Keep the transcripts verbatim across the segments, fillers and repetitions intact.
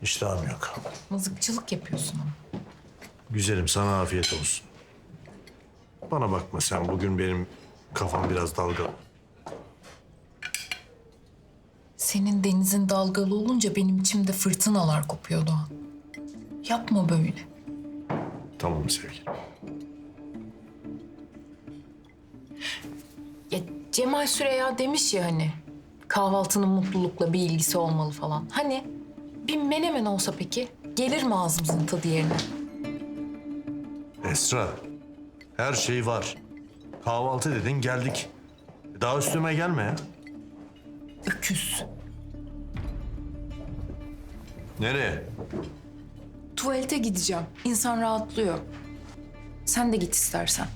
İştahım yok. Mızıkçılık yapıyorsun ama. Güzelim, sana afiyet olsun. Bana bakma sen, bugün benim kafam biraz dalgalı. Senin denizin dalgalı olunca benim içimde fırtınalar kopuyor Doğan. Yapma böyle. Tamam sevgilim. Ya Cemal Süreya demiş ya hani kahvaltının mutlulukla bir ilgisi olmalı falan. Hani bir menemen olsa peki gelir mi ağzımızın tadı yerine? Esra, her şey var. Kahvaltı dedin, geldik. Daha üstüme gelme ya. Öküz. Nereye? Tuvalete gideceğim. İnsan rahatlıyor. Sen de git istersen.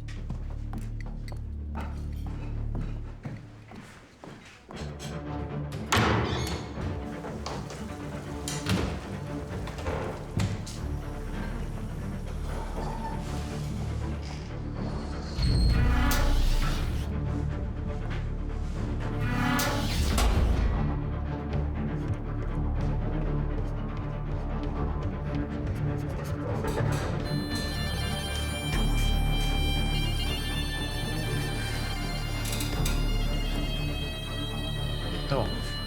Tamam.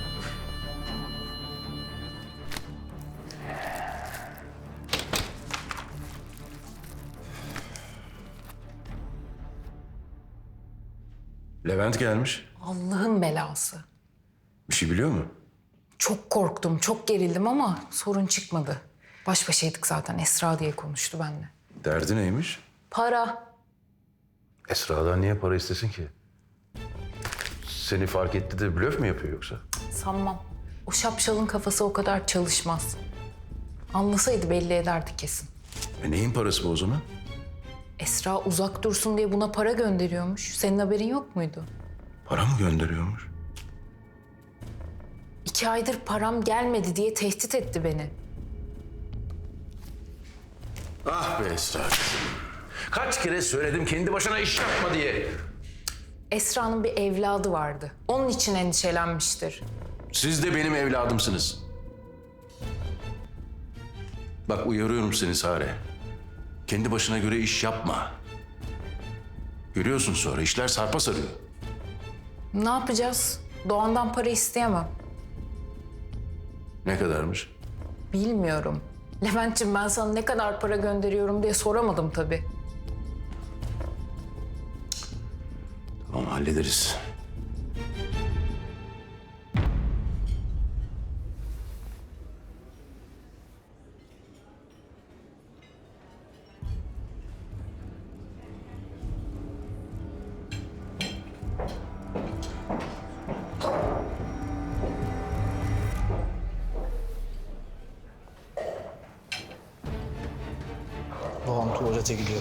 Levent gelmiş. Allah'ın belası. Bir şey biliyor mu? Çok korktum, çok gerildim ama sorun çıkmadı. Baş başaydık zaten. Esra diye konuştu benimle. Derdi neymiş? Para. Esra'dan niye para istesin ki? Seni fark etti de blöf mü yapıyor yoksa? Sanmam. O şapşalın kafası o kadar çalışmaz. Anlasaydı belli ederdi kesin. E neyin parası bu o zaman? Esra uzak dursun diye buna para gönderiyormuş. Senin haberin yok muydu? Para mı gönderiyormuş? İki aydır param gelmedi diye tehdit etti beni. Ah be Esra. Kaç kere söyledim kendi başına iş yapma diye. Esra'nın bir evladı vardı. Onun için endişelenmiştir. Siz de benim evladımsınız. Bak uyarıyorum seni Sare. Kendi başına göre iş yapma. Görüyorsun sonra işler sarpa sarıyor. Ne yapacağız? Doğan'dan para isteyemem. Ne kadarmış? Bilmiyorum. Levent'ciğim ben sana ne kadar para gönderiyorum diye soramadım tabii. Tamam hallederiz. Babam tuvalete gidiyor.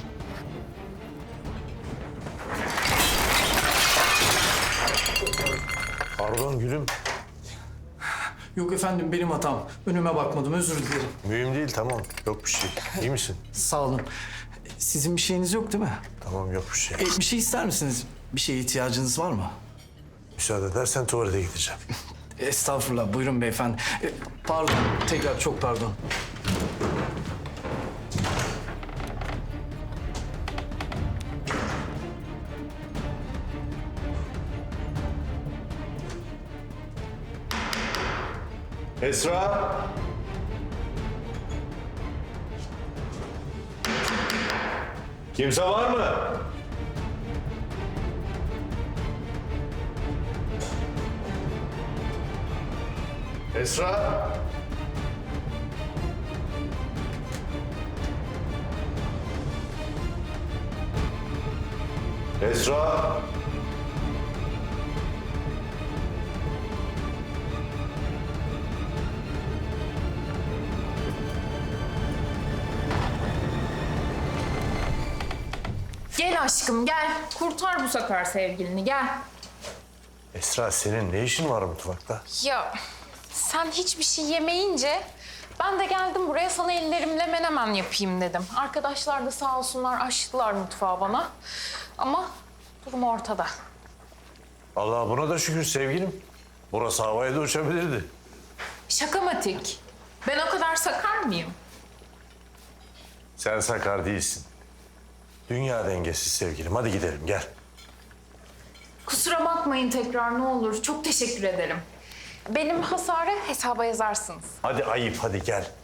Pardon gülüm. Yok efendim benim hatam. Önüme bakmadım özür dilerim. Mühim değil, tamam. Yok bir şey. İyi misin? Sağ olun. Sizin bir şeyiniz yok değil mi? Tamam, yok bir şey. E, bir şey ister misiniz? Bir şeye ihtiyacınız var mı? Müsaade edersen tuvalete gideceğim. Estağfurullah buyurun beyefendi. E, pardon tekrar çok pardon. Esra! Kimse var mı? Esra! Esra! Gel aşkım gel. Kurtar bu sefer sevgilini gel. Esra, senin ne işin var mutfakta? Ya sen hiçbir şey yemeyince ben de geldim buraya sana ellerimle menemen yapayım dedim. Arkadaşlar da sağ olsunlar açtılar mutfağı bana. Ama durum ortada. Allah buna da şükür sevgilim. Burası havaya da uçabilirdi. Şakamatik. Ben o kadar sakar mıyım? Sen sakar değilsin. Dünya dengesiz sevgilim. Hadi gidelim gel. Kusura bakmayın tekrar ne olur. Çok teşekkür ederim. Benim hasarı hesaba yazarsınız. Hadi ayıp hadi gel.